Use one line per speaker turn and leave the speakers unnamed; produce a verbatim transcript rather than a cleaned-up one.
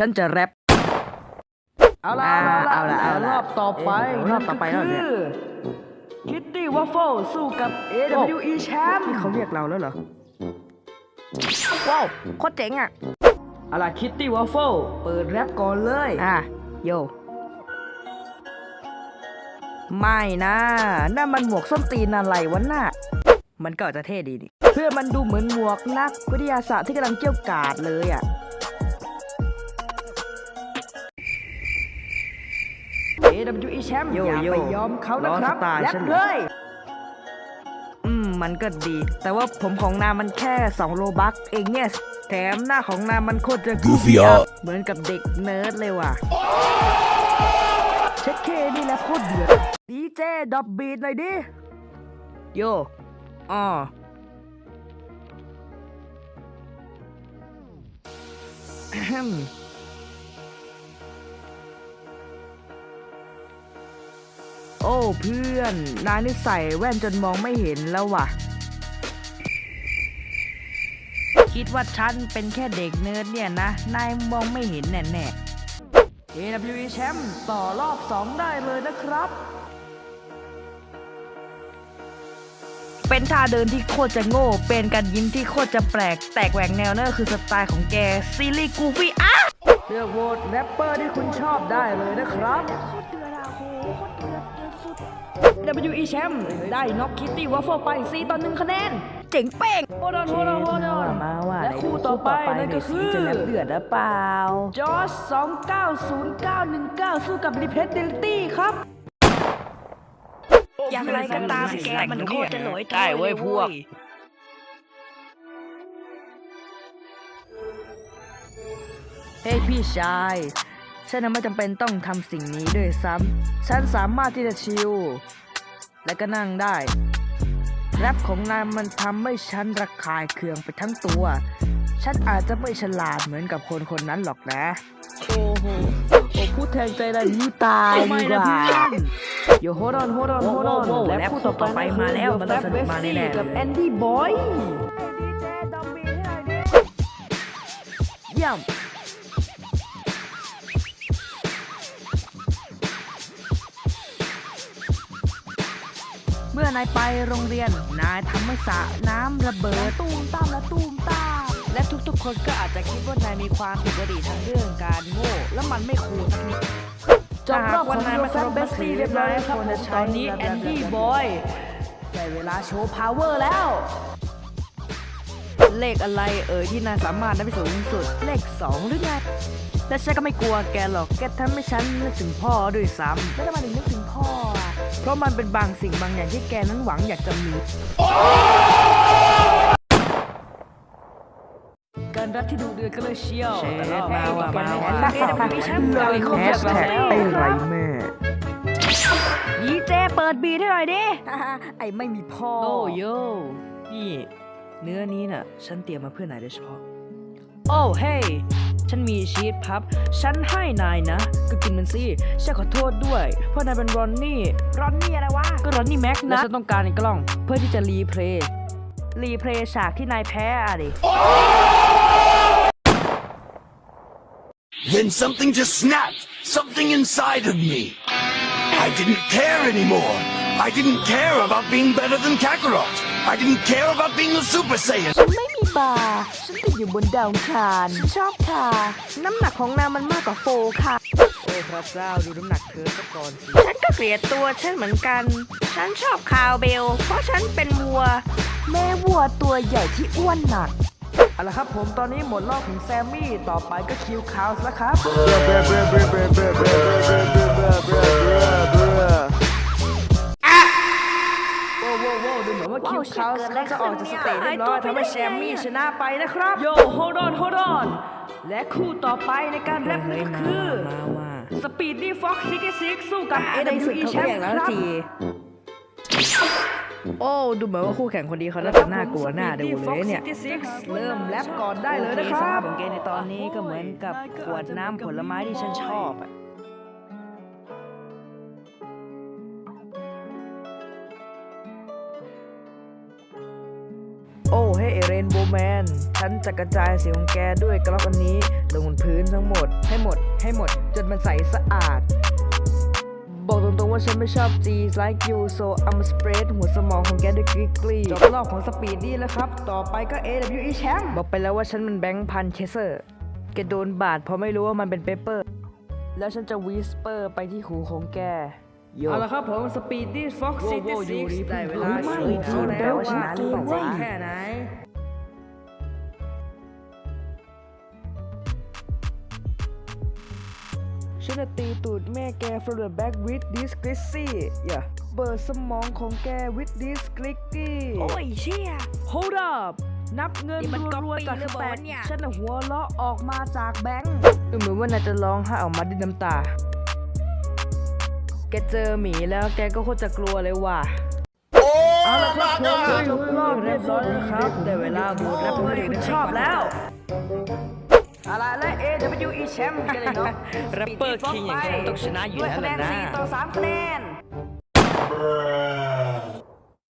ฉันจะแรปเอาละเอาละเอาละรอบต่อไปรอบต่อไปแล้วเนี่ยคิตตี้วัฟเฟิลสู้กับ เอ ดับเบิลยู อี แชมป์นี่เขาเรียกเราแล้วเหรอว้าวโคตรเจ๋งอ่ะเอาล่ะคิตตี้วัฟเฟิลเปิดแรปก่อนเลยอ่ะโยไม่นะนั่นมันหมวกส้นตีนอะไรวะน่ะมันก็จะเท่ดีดิเพื่อมันดูเหมือนหมวกนักวิทยาศาสตร์ที่กำลังเกี่ยวกาดเลยอ่ะเอ ดับเบิลยู อี แชมป์อย่าไปยอมเขานะครับแรปเลยอืมมันก็ดีแต่ว่าผมของนายมันแค่สองโลบัคเองเนี่ยแถมหน้าของนายมันโคตรจะกูฟี่เหมือนกับเด็กเนิร์ดเลยว่ะเช็คเคนี่แหละโคตรเดือดดีเจดอบบีทหน่อยดิโยอ๋อโอ้เพื่อนนายนี่ใส่แว่นจนมองไม่เห็นแล้วว่ะคิดว่าฉันเป็นแค่เด็กเนิร์ดเนี่ยนะนายมองไม่เห็นแน่ๆ เอ ดับเบิลยู อี แชมป์ต่อรอบสองได้เลยนะครับเป็นท่าเดินที่โคตรจะโง่เป็นการยิ้มที่โคตรจะแปลกแตกแหวกแนวนั่นคือสไตล์ของแกซีรีส์กูฟี่อ่ะเลือกโหวตแรปเปอร์ที่คุณชอบได้เลยนะครับดับเบิลยู อี แชมป์ได้น็อกคิตตี้วัฟเฟิลไปสี่ต่อหนึ่งคะแนนเจ๋งเป้งโฮดอนโฮดอนโฮดอนมาว่าและคู่ต่อไปนั่นก็คือจะแรปเดือดหรือเปล่าจอร์จสองเก้าศูนย์เก้าหนึ่งเก้าสู้กับรีเพสเดลิตี้ครับอย่างไรก็ตามแกมันโคตรจะหลอยได้เว้ยพวกเฮ้ยพี่ชายฉันไม่จำเป็นต้องทำสิ่งนี้ด้วยซ้ำฉันสามารถที่จะชิลและก็นั่งได้แรปของนายมันทำให้ฉันระคายเคืองไปทั้งตัวฉันอาจจะไม่ฉลาดเหมือนกับคนคนนั้นหรอกนะโอ้โหโอ้พูดแทงใจได้ยี่ตายดีกว่าโยโฮดอนโฮดอนโฮดอนและพูดต่อไปมาแล้วมันต้องสนุกมาแน่ๆกับแอนดี้บอยเยี่ยมเมื่อนายไปโรงเรียนนายทำให้สระน้ำระเบิดตูมตามและตูมตามและทุกๆคนก็อาจจะคิดว่านายมีความผิดปกติทางเรื่องการโง่และมันไม่คูลสักนิดจบรอบของนายมาครบเบสตี้เรียบร้อยแล้วครับตอนนี้แอนดี้บอยได้เวลาโชว์พาวเวอร์แล้วเลขอะไรเอ่ยที่นายสามารถได้ไปสูงสุดเลขสองหรือไงและฉันก็ไม่กลัวแกหรอกแกทำให้ฉันนึกถึงพ่อด้วยซ้ำแล้วทำไมถึงนึกถึงพ่ออ่ะเพราะมันเป็นบางสิ่งบางอย่างที่แกนั้นหวังอยากจะมีการรักที่ดูเดือดก็เลยเชียวแต่รอบมาว่ามาว่าแฮชแท็กไอ้ไรแม่ดีเจเปิดบีทให้หน่อยดิไอ้ไม่มีพ่อโอ้โย่นี่เนื้อนี้น่ะฉันเตรียมมาเพื่อนายโดยเฉพาะโอ้เฮ้ยฉันมีชีสพับฉันให้นายนะก็กินมันสิฉันขอโทษด้วยเพราะนายเป็นรอนนี่รอนนี่อะไรวะก็รอนนี่แม็กนะและฉันต้องการในกล้องเพื่อที่จะรีเพลย์รีเพลย์ฉากที่นายแพ้อะดิ
Then something just snapped, something inside of me. I didn't care anymore. I didn't care about being better than Kakarot. I didn't care about being a Super Saiyan.
ฉันไม่มีบาร์ฉันติดอยู่บนดาวคารฉันชอบค่ะน้ำหนักของนางมันมากกว่าโฟค่ะโอ้พระเจ้าดูน้ำหนักเธอซะก่อนสิฉันก็เกลียดตัวฉันเหมือนกันฉันชอบคาวเบลเพราะฉันเป็นวัวแม่วัวตัวใหญ่ที่อ้วนหนักเอาละครับผมตอนนี้หมดรอบของแซมมี่ต่อไปก็คิวคาวส์แล้วครับโว้โว้โว้ดูเหมือนว่าคิวคาวส์ก็จะออกจากสเตจเรียบร้อยทำให้แซมมี่ชนะไปนะครับโยโฮดอนโฮดอนและคู่ต่อไปในการแรปนั่นก็คือสปีดดี้ฟ็อกซ์ซิกซิกสู้กับ เอ ดับเบิลยู อี แชมป์ครับโอ้ดูเหมือนว่าคู่แข่งคนนี้เขาน่าจะน่ากลัวน่าดูเลยเนี่ยเริ่มแรปก่อนได้เลยนะครับของเกมในตอนนี้ก็เหมือนกับขวดน้ำผลไม้ที่ฉันชอบอะโอ้เฮ้เอเรนนโบว์แมนฉันจะกระจายเสียงของแกด้วยกระรอกอันนี้ลงบนพื้นทั้งหมดให้หมดให้หมดจนมันใสสะอาดบอกตรงๆว่าฉันไม่ชอบ G like you so I'm spread หัวสมองของแกด้วยกริกลี่จบรอบของสปีดดี้แล้วครับต่อไปก็ เอ ดับเบิลยู อี แชมป์บอกไปแล้วว่าฉันมันแบงค์พันเคเซอร์แกโดนบาดเพราะไม่รู้ว่ามันเป็นเปเปอร์แล้วฉันจะวิสเปอร์ไปที่หูของแกเอาละครับผมสปีดดี้ฟ็อกซิตี้ซิกได้เวลาโชว์เขาแล้วว่าชนะหรือเปล่าแค่ไหนฉันจะตีตูดแม่แก from the back with this glissy อย่าเปิดสมองของแก with this glissy
โอ้ยเชี่ย
hold up นับเงิน
นี่มัน
รัวๆจาก
ก๊อปปี้หรือ
ส
เป
แต็
ล่าก เนี่ย
ฉันน่ะหัวเราะออกมาจากแบงค์ดูเหมือนว่านายจะร้องไห้ออกมาด้วยน้ำตา แกเจอหมีแล้วแกก็โคตรจะกลัวเลยว่ะเอาละครับผมจบรอบเรียบร้อยแล้วครับได้เวลาบูดแรปเปอร์ที่คุณชอบแล้วเอาล่ะและ เอ ดับเบิลยู อี แชมป์กันเลยเนาะ
แรปเปอร์คิงอย่างฉันต้องชนะอยู่แล้วแหละนะ
ด้วยคะแนนสี่ต่อสามคะแนน